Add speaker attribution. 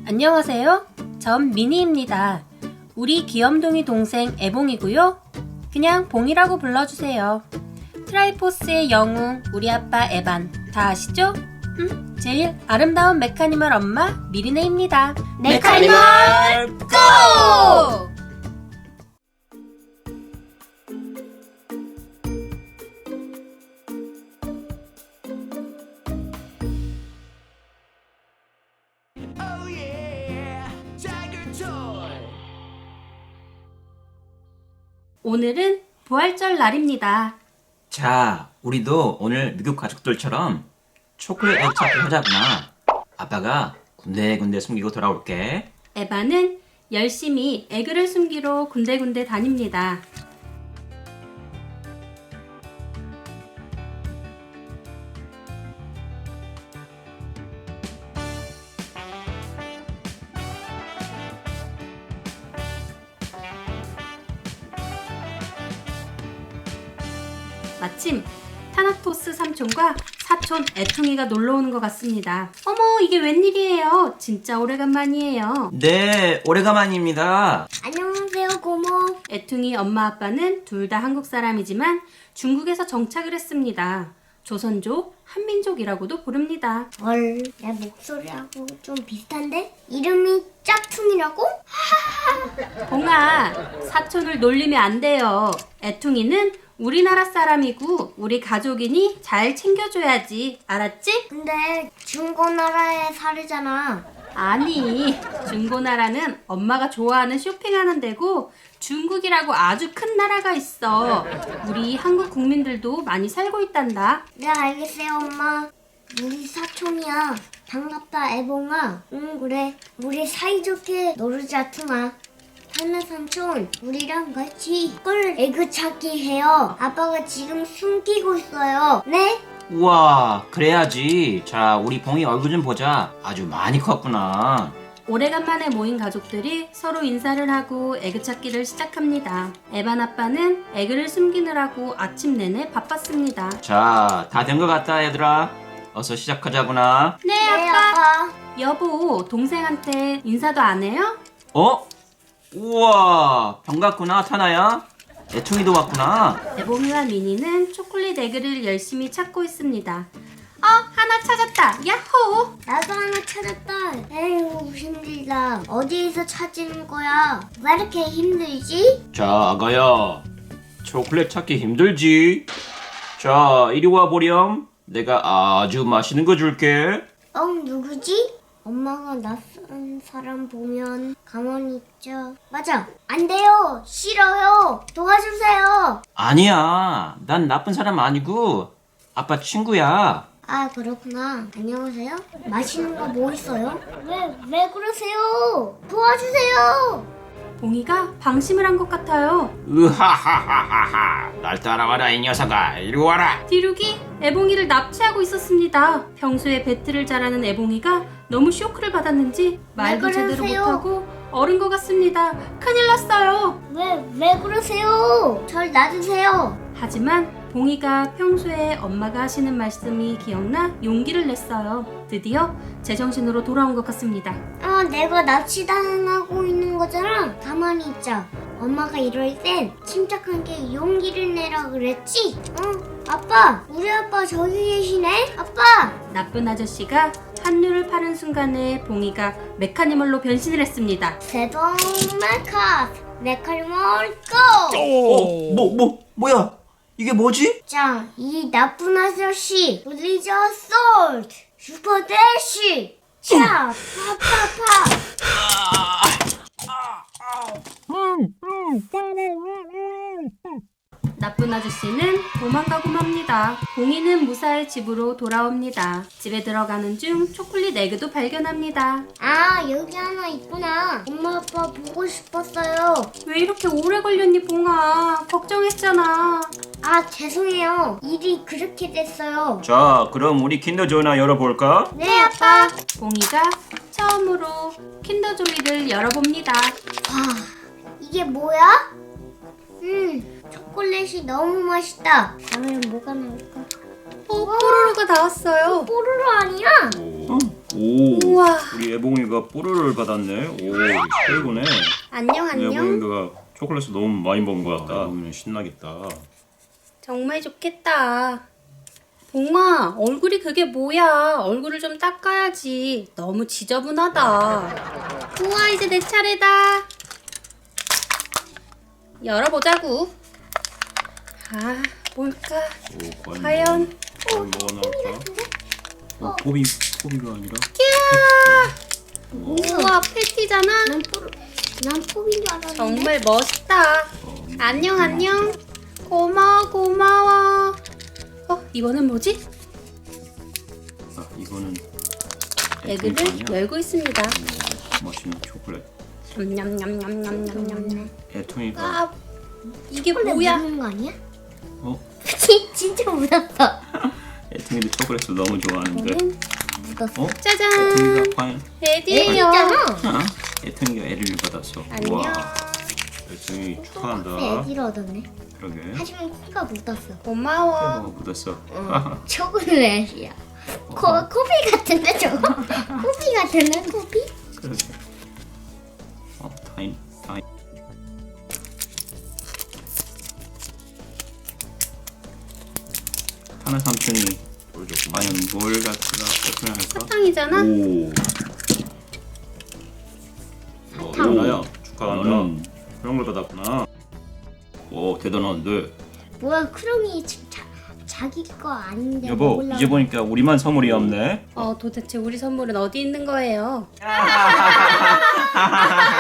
Speaker 1: 안녕하세요. 전 미니입니다. 우리 귀염둥이 동생 애봉이고요. 그냥 봉이라고 불러주세요. 트라이포스의 영웅 우리 아빠 에반 다 아시죠? 제일 아름다운 메카니멀 엄마 미리네입니다.
Speaker 2: 메카니멀
Speaker 1: 고!
Speaker 2: Oh yeah, Tiger Toy.
Speaker 1: 오늘은 부활절 날입니다.
Speaker 3: 자, 우리도 오늘 미국 가족들처럼 초콜릿 액 찾기 하자구나. 아빠가 군데군데 숨기고 돌아올게.
Speaker 1: 에반은 열심히 에그를 숨기러 군데군데 다닙니다. 마침 타나토스 삼촌과 사촌 애퉁이가 놀러오는 것 같습니다. 어머, 이게 웬일이에요? 진짜 오래간만이에요.
Speaker 3: 네, 오래간만입니다.
Speaker 4: 안녕하세요, 고모.
Speaker 1: 애퉁이 엄마 아빠는 둘 다 한국 사람이지만 중국에서 정착을 했습니다. 조선족, 한민족이라고도 부릅니다.
Speaker 4: 헐, 내 목소리하고 좀 비슷한데? 이름이 짝퉁이라고?
Speaker 1: 봉아, 사촌을 놀리면 안 돼요. 애퉁이는 우리나라 사람이고 우리 가족이니 잘 챙겨줘야지. 알았지?
Speaker 4: 근데 중고나라에 살잖아.
Speaker 1: 아니, 중고나라는 엄마가 좋아하는 쇼핑하는 데고 중국이라고 아주 큰 나라가 있어. 우리 한국 국민들도 많이 살고 있단다.
Speaker 4: 네, 알겠어요, 엄마. 우리 사촌이야. 반갑다, 애봉아. 응, 그래. 우리 사이좋게 놀자, 퉁아. 하나 삼촌, 우리랑 같이 꿀 에그 찾기 해요. 아빠가 지금 숨기고 있어요. 네?
Speaker 3: 우와, 그래야지. 자, 우리 봉이 얼굴 좀 보자. 아주 많이 컸구나.
Speaker 1: 오래간만에 모인 가족들이 서로 인사를 하고 에그 찾기를 시작합니다. 에반 아빠는 에그를 숨기느라고 아침 내내 바빴습니다.
Speaker 3: 자, 다 된 것 같다, 얘들아. 어서 시작하자구나.
Speaker 1: 네,
Speaker 4: 네,
Speaker 1: 아빠.
Speaker 4: 아빠.
Speaker 1: 여보, 동생한테 인사도 안 해요?
Speaker 3: 어? 우와, 반갑구나, 타나야. 애퉁이도 왔구나.
Speaker 1: 애봉이와 미니는 초콜릿 에그를 열심히 찾고 있습니다. 하나 찾았다. 야호!
Speaker 4: 나도 하나 찾았다. 에휴, 힘들다. 어디에서 찾는 거야? 왜 이렇게 힘들지?
Speaker 3: 자, 아가야. 초콜릿 찾기 힘들지? 자, 이리 와 보렴. 내가 아주 맛있는 거 줄게.
Speaker 4: 누구지? 엄마가 낯선 사람 보면 가만히 있죠. 맞아. 안 돼요. 싫어요. 도와주세요.
Speaker 3: 아니야. 난 나쁜 사람 아니고 아빠 친구야.
Speaker 4: 아, 그렇구나. 안녕하세요. 맛있는 거 뭐 있어요? 왜 그러세요? 도와주세요.
Speaker 1: 봉이가 방심을 한 것 같아요.
Speaker 3: 으하하하하하. 날 따라와라 이 녀석아. 이리 와라.
Speaker 1: 디룩이 애봉이를 납치하고 있었습니다. 평소에 배틀을 잘하는 애봉이가 너무 쇼크를 받았는지 말도 제대로
Speaker 4: 그러세요?
Speaker 1: 못하고 얼은 것 같습니다. 큰일 났어요.
Speaker 4: 왜 그러세요? 절 놔주세요.
Speaker 1: 하지만 봉이가 평소에 엄마가 하시는 말씀이 기억나 용기를 냈어요. 드디어 제정신으로 돌아온 것 같습니다.
Speaker 4: 내가 납치당하고 있는 거잖아. 가만히 있자. 엄마가 이럴 땐 침착하게 용기를 내라 그랬지? 아빠, 우리 아빠 저기 계시네? 아빠!
Speaker 1: 나쁜 아저씨가 한류를 파는 순간에 봉이가 메카니멀로 변신을 했습니다.
Speaker 4: 세동 메카니멀 고!
Speaker 3: 뭐야? 이게 뭐지?
Speaker 4: 자, 이 나쁜 아저씨 리저 솔트 슈퍼 대쉬 차 파파파.
Speaker 1: 나쁜 아저씨는 도망가고 맙니다. 봉이는 무사히 집으로 돌아옵니다. 집에 들어가는 중 초콜릿 에그도 발견합니다.
Speaker 4: 여기 하나 있구나. 엄마 아빠 보고 싶었어요.
Speaker 1: 왜 이렇게 오래 걸렸니, 봉아? 걱정했잖아.
Speaker 4: 죄송해요. 일이 그렇게 됐어요.
Speaker 3: 자, 그럼 우리 킨더조이나 열어볼까?
Speaker 4: 네, 아빠.
Speaker 1: 봉이가 처음으로 킨더조이를 열어봅니다.
Speaker 4: 와, 이게 뭐야? 초콜릿이 너무 맛있다. 다음엔 뭐가 나올까?
Speaker 1: 뽀로로가 나왔어요.
Speaker 4: 뽀로로 아니야?
Speaker 3: 오,
Speaker 1: 우와.
Speaker 3: 우리 애봉이가 뽀로로를 받았네. 오, 최고네.
Speaker 1: 안녕 안녕.
Speaker 3: 애봉이가 초콜릿을 너무 많이 먹은 것 같다. 애봉이는 신나겠다.
Speaker 1: 정말 좋겠다. 봉아, 얼굴이 그게 뭐야? 얼굴을 좀 닦아야지. 너무 지저분하다. 우와, 이제 내 차례다. 열어보자고. 아, 뭘까?
Speaker 3: 오,
Speaker 1: 과연?
Speaker 3: 뭐가 나올까? 포비가 아니라?
Speaker 1: 우와, 패티잖아.
Speaker 4: 난 포비인 줄 알았는데.
Speaker 1: 정말 멋있다. 안녕 안녕. 고마워 고마워. 이거는 뭐지?
Speaker 3: 아, 이거는
Speaker 1: 에그를
Speaker 3: 애통이야?
Speaker 1: 열고 있습니다.
Speaker 3: 맛있는 초콜릿.
Speaker 1: 냠냠냠냠냠냠냠.
Speaker 3: 애통이가
Speaker 1: 아, 이게
Speaker 4: 초콜릿
Speaker 1: 뭐야?
Speaker 4: 묻는 거 아니야?
Speaker 3: 어?
Speaker 4: 진짜 묻었어.
Speaker 3: 애통이도 초콜릿을 너무 좋아하는데.
Speaker 1: 이거는
Speaker 4: 묻었어.
Speaker 3: 어?
Speaker 1: 짜잔.
Speaker 3: 애통이가 과연?
Speaker 1: 레디예요.
Speaker 4: 있잖아.
Speaker 3: 아, 애통이가 애를 받았어.
Speaker 1: 안녕.
Speaker 3: 와, 애통이
Speaker 4: 네,
Speaker 3: 축하한다.
Speaker 4: 애기를 얻었네.
Speaker 3: 그러게.
Speaker 4: 하지만 코가 묻었어.
Speaker 1: 고마워.
Speaker 3: 묻었어.
Speaker 4: 초콜릿이야. 코피 같은데 저거? 코피 같은데 코피?
Speaker 3: 그러게. 타임. 하나 삼촌이 과연 뭘 갖다가 오픈을 할까?
Speaker 1: 사탕이잖아.
Speaker 3: 오.
Speaker 4: 사탕.
Speaker 3: 나야 축하한다. 그런 걸 받았구나. 오, 대단한데.
Speaker 4: 뭐야 크롱이 자기 거 아닌데
Speaker 3: 여보,
Speaker 4: 먹으려고.
Speaker 3: 이제 보니까 우리만 선물이 없네.
Speaker 1: 도대체 우리 선물은 어디 있는 거예요?